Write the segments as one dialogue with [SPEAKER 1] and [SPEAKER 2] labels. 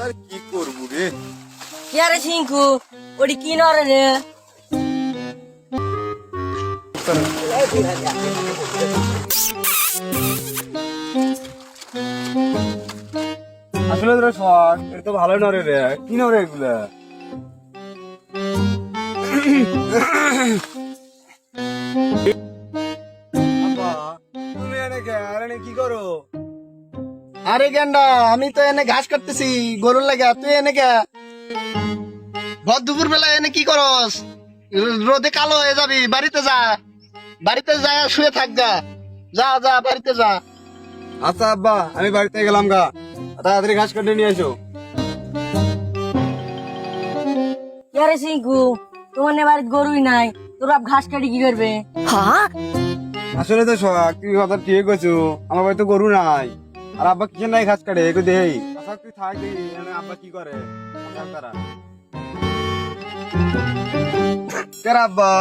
[SPEAKER 1] কি করবো রে?
[SPEAKER 2] কি আরে সিংকু ওটি কি নরে রে?
[SPEAKER 1] আসলে তোরা শখ এটা তো ভালোই নরে রে, কি নরে এগুলা? আব্বা, তুমি এনে কে? আর এনে কি করো?
[SPEAKER 3] আরে গেন্ডা, আমি তো এনে ঘাস কাটতেছি গরুর লাগা। তুই এনে কে? ভর দুপুর বেলা এনে কি করস? রোদে কালো হয়ে যাবি, বাড়িতে যা। বাড়িতে যা, শুয়ে থাক গা। যা যা, বাড়িতে যা।
[SPEAKER 1] আচ্ছা আব্বা, আমি বাড়িতে গেলাম গা, তাড়াতাড়ি ঘাস কাটে নিয়ে এসো।
[SPEAKER 2] কি আরে সিংকু তোমার নে বাড়িতে গরুই নাই, তোর বাপ ঘাস কাটি কি করবে?
[SPEAKER 1] আসলে তো শখ, তুই কথা ঠিক আছো, আমার বাড়িতে গরু নাই, আর আব্বা কিসের নাই ঘাস কাটে একটু দেই। আচ্ছা তুই থাক দেখি আব্বা কি করে। আচ্ছা, তারা কেন আব্বা?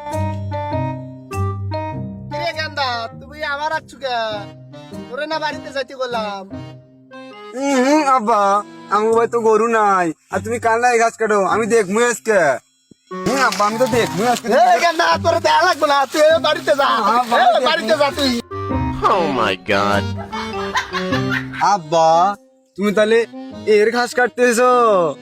[SPEAKER 3] কিরে গেন্দা, তুমি আমার আছু কে? তোরে না বাড়িতে যাইতে বললাম।
[SPEAKER 1] আব্বা, আমার বাড়িতে তো গরু নাই, আর তুমি কাল নাই ঘাস কাটো, আমি দেখবো আজকে। আব্বা, আমি তো দেখবো আজকে।
[SPEAKER 3] এ গেন্দা, তোরে দেয়া লাগবে না, তুই বাড়িতে যা। বাড়িতে যা তুই।
[SPEAKER 4] Oh my god.
[SPEAKER 1] আব্বা, তুমি তাহলে এর ঘাস কাটতেছো?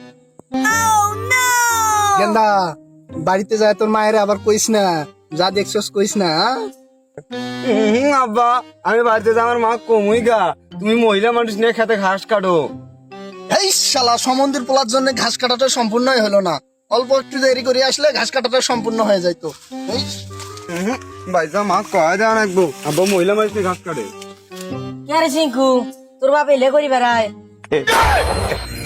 [SPEAKER 3] গেন্দা, বাড়িতে যায় তোর মায়ের আবার কইস না, যা দেখছস কইস না।
[SPEAKER 1] আব্বা, আমি বাড়িতে যা, আমার মা কমই গা, তুমি মহিলা মানুষ নিয়ে খেতে ঘাস কাটো।
[SPEAKER 3] এই শালা, সমন্দির পোলার জন্য ঘাস কাটাটা সম্পূর্ণই হলো না। অল্প একটু দেরি করে আসলে ঘাস কাটাটা সম্পূর্ণ হয়ে যাইতো। এই,
[SPEAKER 1] বাইজা মা কয়া দেওয়া রাখবো, আব্বা মহিলা মানুষ নিয়ে ঘাস কাটে।
[SPEAKER 2] কি আরে সিংকু তোর বাপ এলে করি বেড়ায়?